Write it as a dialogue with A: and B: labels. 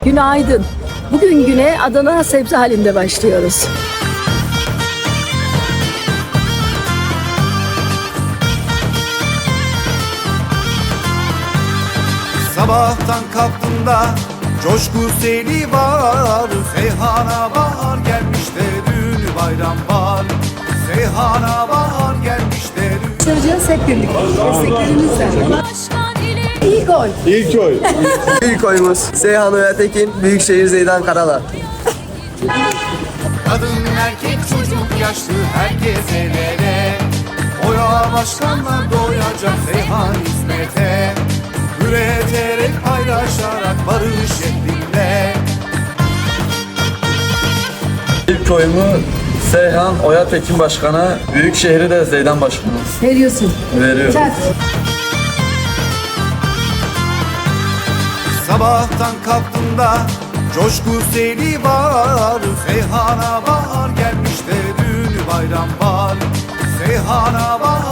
A: Günaydın. Bugün güne Adana sebze halinde başlıyoruz.
B: Sabahtan kalktığımda coşku seli var. Seyhana bahar gelmiş de dün bayram var. Seyhana bahar gelmiş de dün.
A: Sıracağız hep birlikte. Desteklerimizle. İyi gol.
C: İlk oy.
D: İlk oyumuz Seyhan Öğetekin, Büyükşehir Zeydan Karala.
B: Kadın erkek çocuk yaşlı herkes el ele. Oya başkanlar doyacak Seyhan hizmete. Üreterek paylaşarak barış şeklinde.
C: İlk oyumu Seyhan Oya Tekin Başkan'a, Büyükşehir'i de Zeydan Başkan'a
A: Veriyorsun.
C: veriyorum.
A: Çak.
B: Sabahtan kalktığımda coşku seli var. Seyhana bahar gelmiş de dün bayram var. Seyhana bahar